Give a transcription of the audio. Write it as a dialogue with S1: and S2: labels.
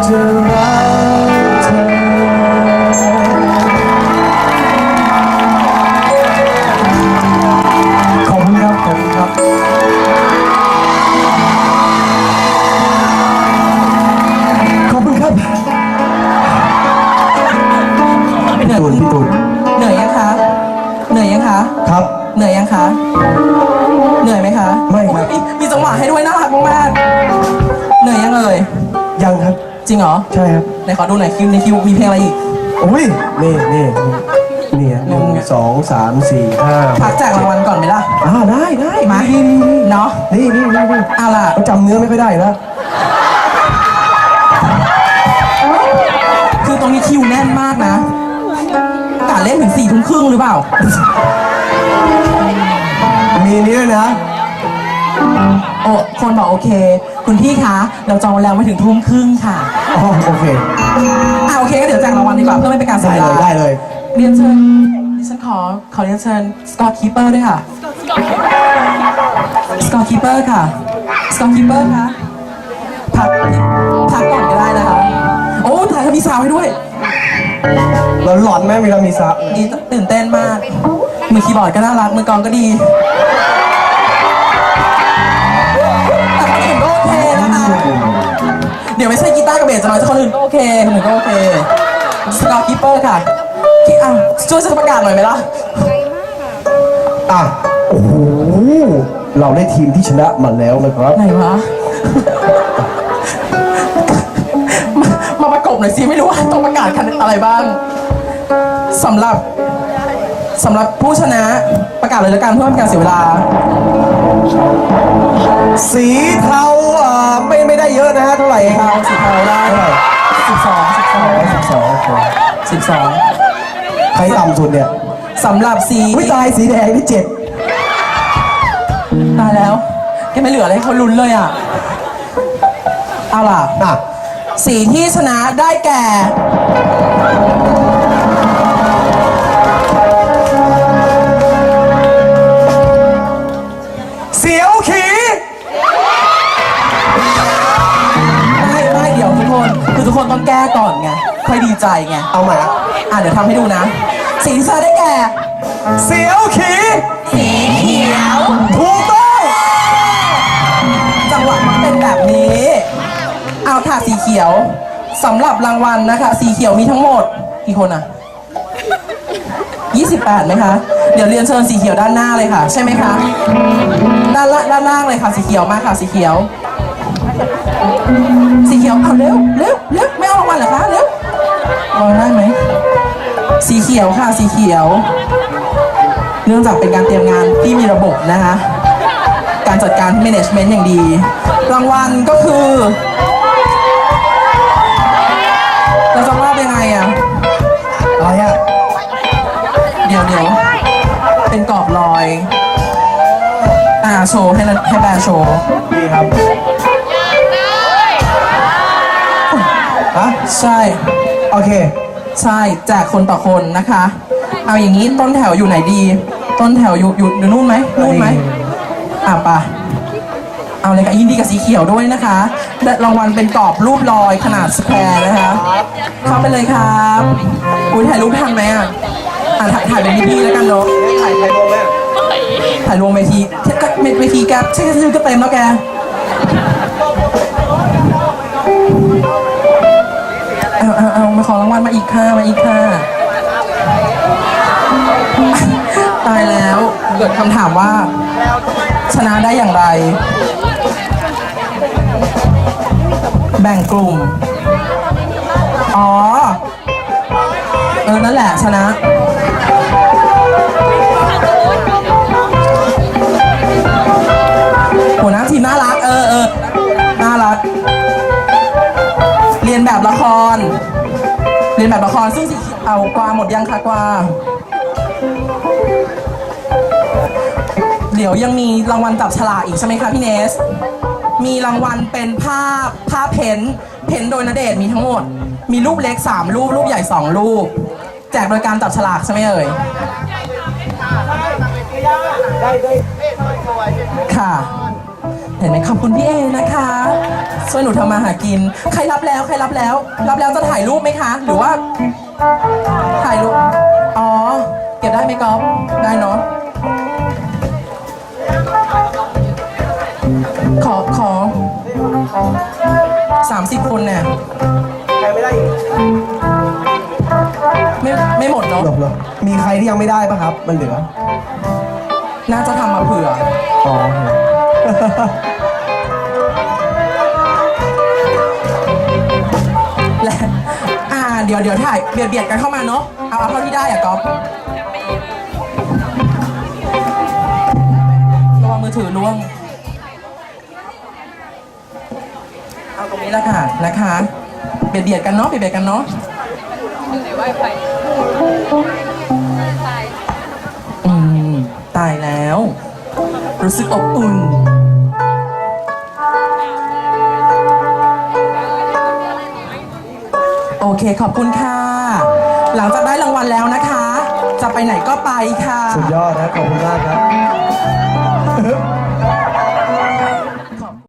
S1: จะรักเธอขอบคุณครับขอบคุณครับขอบคุณครับพี่ตูนพี่ตูน
S2: เหนื่อยยังคะเหนื่อยยังคะ
S1: ครับ
S2: เหนื่อยยังคะเหนื่อยไหมคะ
S1: ไม่ครับ
S2: มีจังหวะให้ด้วยน่ารักมากๆเหนื่อยยังเอ่ย
S1: ยังครับ
S2: จริงเหรอ
S1: ใช่ครับ
S2: ไหนขอดูหน่อยคิวในคิวมีเพลงอะไรอีก
S1: โอ้ยนี่หนึ่งสองสามสี่ห้า
S2: พักแจกรางวัลก่อนไหมล่ะ
S1: ได้
S2: มา
S1: นี่
S2: เนาะ เอาล่ะ
S1: จำเนื้อไม่ค่อยได้แล้ว
S2: คือตรงนี้คิวแน่นมากนะกะเล่นถึง4 ทุ่มครึ่งหรือเปล่า
S1: มีนี้ด้วยนะ
S2: โอ้คนบอกโอเค คุณพี่คะเราจองแล้วไม่ถึง 1 ทุ่มครึ่งค่ะ
S1: อ๋อโอเค
S2: โอเคก็เดี๋ยวแจกรางวัลดีกว่าเพื่อไม่เป็นการเสียเวลา
S1: ได้เลย
S2: เรียนเชิญดิฉันขอเรียนเชิญสกอตคีเปอร์ด้วยค่ะสกอตคีเปอร์ค่ะสกอตคีเปอร์คะพักก่อนก็ได้นะคะโอ้ถ่ายเขามีสาวให้ด้วย
S1: เราหลอนไหมมีเรามีซับ
S2: ดีตื่นเต้นมากมือคีย์บอร์ดก็น่ารักมือกลองก็ดีแต่คนอื่นก็โอเคนะคะเดี๋ยวไม่ใช่กีตาร์กับเบสจะมาแต่คนอื่นก็โอเคคนอื่นก็โอเคสกอตคีเปอร์ค่ะช่วยฉันประกาศหน่อยไหมล่ะ
S1: อ่ะโอ้โหเราได้ทีมที่ชนะมาแล้วนะครับ
S2: ไหนวะ มาประกบหน่อยสิไม่รู้ว่าต้องประกาศอะไรบ้างสำหรับผู้ชนะประกาศเลยแล้วกันเพื่อไม่เป็นการเสียเวลา
S1: สีเทาไม่ได้เยอะนะฮะเท่าไหร่
S2: สีเทาได้
S1: เท่าไหร่
S2: 12
S1: ใครต่ำสุดเนี่ย
S2: สำหรับสี
S1: วิตายสีแดงที่7
S2: ตายแล้วแกไม่เหลืออะไรให้เขาลุ้นเลยอ่ะเอาล่ะ
S1: อ่ะ
S2: สีที่ชนะได้แก่
S1: เสียวขี
S2: ไม่เดี๋ยวทุกคนคือทุกคนต้องแก้ก่อนไงค่อยดีใจไง
S1: เอาใหม่อ่ะ
S2: เดี๋ยวทำให้ดูนะสีที่ชนะได้แก่
S1: เสียวขี
S2: สีเขียว
S1: ถูกต้อง
S2: จังหวะมันเป็นแบบนี้ เอาค่ะสีเขียวสำหรับรางวัลนะคะ สีเขียวมีทั้งหมดกี่คนอ่ะ 28ไหมคะ เดี๋ยวเรียนเชิญสีเขียวด้านหน้าเลยค่ะ ใช่ไหมคะด้านล่างเลยค่ะ สีเขียวมาค่ะ สีเขียว สีเขียวเอาเร็วไม่เอารางวัลเหรอคะเร็วรอได้ไหมสีเขียวค่ะสีเขียว เนื่องจากเป็นการเตรียมงานที่มีระบบนะคะ การจัดการ management อย่างดี รางวัลก็คือเราจะว่าเป็นไงอ่ะ
S1: อะไรอ่ะ
S2: เดี๋ยวเป็นกรอบรอยโชว์ให้แบร์โชว์
S1: ดีครับฮะ
S2: ใช่
S1: โอเค
S2: ใช่แจกคนต่อคนนะคะ เอาอย่างนี้ต้นแถวอยู่ไหนดี ต้นแถวอยู่นู่นไหมป่ะเอาเลยค่ะยินดีกับสีเขียวด้วยนะคะได้รางวัลเป็นกรอบรูปลอยขนาดสแควร์นะคะเข้าไปเลยครับอุ้ยถ่ายรูปทันไหมถ่ายเป็นพี่ๆแล้วกันเนาะถ่ายรวมไหมถ่ายรวมเวทีแกใช่ชื่อก็เต็มแล้วแกเอามาขอรางวัลมาอีกค่ะตายแล้วเกิดคำถามว่าชนะได้อย่างไร แบ่งกลุ่มนั่นแหละชนะหัวหน้าทีมน่ารักน่ารักเรียนแบบละครซึ่งสีเอากวาหมดยังคะกวาเดี๋ยวยังมีรางวัลจับฉลากอีกใช่ไหมคะพี่เนสมีรางวัลเป็นภาพเพ้นโดยณเดชน์มีทั้งหมดมีรูปเล็ก3รูปรูปใหญ่2รูปแจกโดยการจับฉลากใช่ไหมเอ่ยค่ะเห็นไหมขอบคุณพี่เอนะคะช่วยหนูทำมาหากินใครรับแล้วรับแล้วจะถ่ายรูปไหมคะ หรือว่าถ่ายรูปอ๋อเก็บได้ไหมก๊อฟได้เนาะขอ30 คนเนี่ยใครไม่ได้ไม่หมดเนาะ
S1: หรอมีใครที่ยังไม่ได้ปะครับ มันเหลือ
S2: น่าจะทำมาเผื่อ
S1: อ๋อ
S2: และเดี๋ยวถ่ายเบียดกันเข้ามาเนาะเอาเท่าที่ได้อะก๊อฟระวังมือถือล่วงเอาตรงนี้ละค่ะนะคะเบียดกันเนาะเบียดกันเนาะตายแล้ว รู้สึกอบอุ่นโอเคขอบคุณค่ะ หลังจากได้รางวัลแล้วนะคะ จะไปไหนก็ไปค่ะ
S1: สุดยอดนะขอบคุณมากครับ